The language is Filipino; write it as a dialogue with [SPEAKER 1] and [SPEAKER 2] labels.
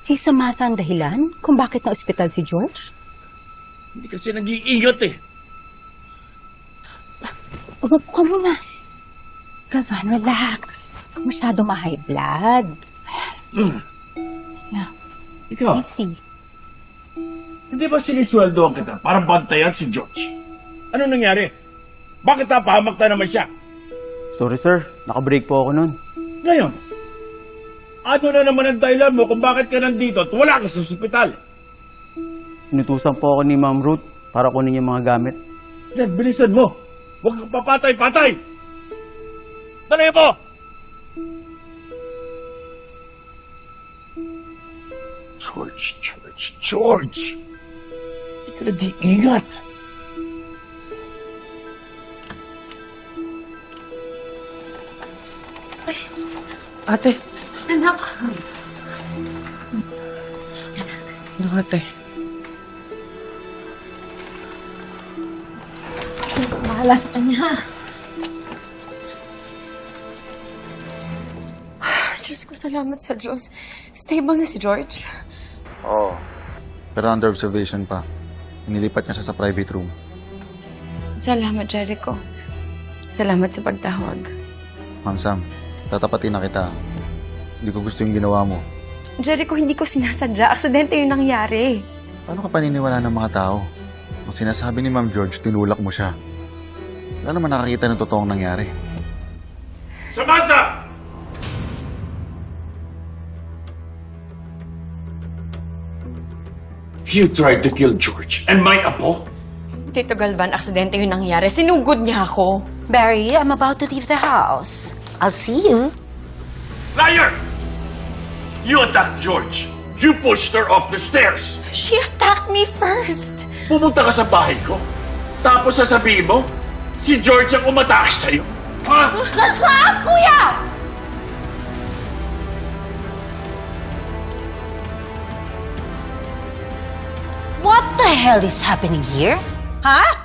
[SPEAKER 1] Si Samantha ang dahilan kung bakit na-ospital si George?
[SPEAKER 2] Hindi kasi nag-iingat eh.
[SPEAKER 1] Umupo ka muna. Galvan, relax. Huwag masyado ma-high blood. Yeah,
[SPEAKER 2] Ikaw,
[SPEAKER 1] easy.
[SPEAKER 2] hindi ba sinisweldoan kita para bantayan si George? Ano nangyari? Bakit napahamak na naman siya?
[SPEAKER 3] Sorry sir, nakabreak po ako nun.
[SPEAKER 2] Ngayon, ano na naman ang dahilan mo kung bakit ka nandito at wala ka sa ospital?
[SPEAKER 3] Inutusan po ako ni Ma'am Ruth para kunin yung mga gamit.
[SPEAKER 2] Yan, bilisan mo. Huwag kang papatay-patay. Dali mo! George! Hindi ka nag-iingat.
[SPEAKER 4] Ate.
[SPEAKER 1] Anak.
[SPEAKER 4] Ano, ate?
[SPEAKER 1] Bahala sa kanya.
[SPEAKER 5] Diyos ko, salamat sa Diyos. Stable na si George.
[SPEAKER 6] Oo. Pero under observation pa. Inilipat niya siya sa private room.
[SPEAKER 5] Salamat, Jericho. Salamat sa pagtawag.
[SPEAKER 6] Ma'am Sam, tatapatin na kita. Hindi ko gusto yung ginawa mo.
[SPEAKER 5] Jericho, hindi ko sinasadya. Aksidente yung nangyari.
[SPEAKER 6] Paano ka paniniwala ng mga tao? Ang sinasabi ni Ma'am George, tinulak mo siya. Wala naman nakakita ng totoong nangyari.
[SPEAKER 2] Samantha! You tried to kill George and my apo?
[SPEAKER 5] Tito Galvan, aksidente yung nangyari. Sinugod niya ako.
[SPEAKER 1] Barry, I'm about to leave the house. I'll see you.
[SPEAKER 2] Liar! You attacked George. You pushed her off the stairs.
[SPEAKER 5] She attacked me first.
[SPEAKER 2] Pumunta ka sa bahay ko. Tapos sasabihin mo, si George ang umatake sa'yo. Ha?
[SPEAKER 5] Stop, kuya!
[SPEAKER 1] What the hell is happening here? Huh?